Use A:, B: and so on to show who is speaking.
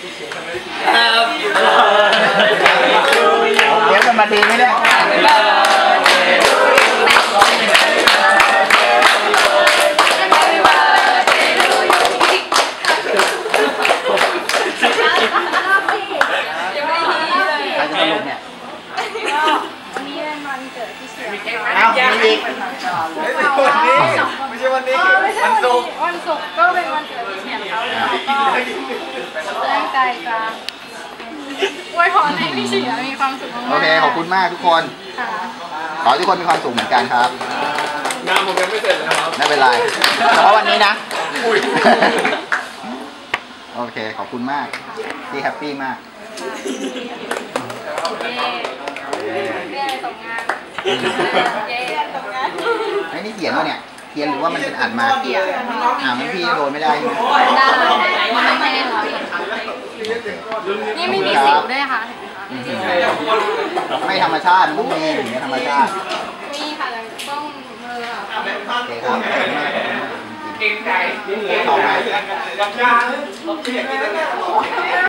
A: เดี๋ยวกันมาดีไหมเนี่ยเอามีอีกไม่ใช่วันนี้วันศุกร์
B: ก็เป็นวันเกิดพี่เฉียนเขาก็ตั้งใจจะอวยพรให้พี่เฉียนมีความสุขมากๆ
A: โอเคขอบคุณมากทุกคนขอให้ทุกคนมีความสุขเหมือนกันครับ
C: งานผมยังไม่เสร็จนะครับ
A: ไม่เป็นไรเฉพาะวันนี้นะโอเคขอบคุณมากที่แฮปปี้มาก
B: เย้ส่งงานเย้ส่งงาน
A: ไอ้นี่เขียนวะเนี่ยเขียนหรือว่ามันเป็นอ่านมามันพี่โดนไม่ได้
B: ได้ไม่ได้ร้อยนี่ไม่มีสิวด้วยค่ะ
A: ไม่ธรรมชาติต้องมีอย่างเงี้ยธรรมชาติ
B: มีค่ะแต่ต้องมือค่ะ
A: โอเคครับ
C: เก่งใจ
A: ต่อไป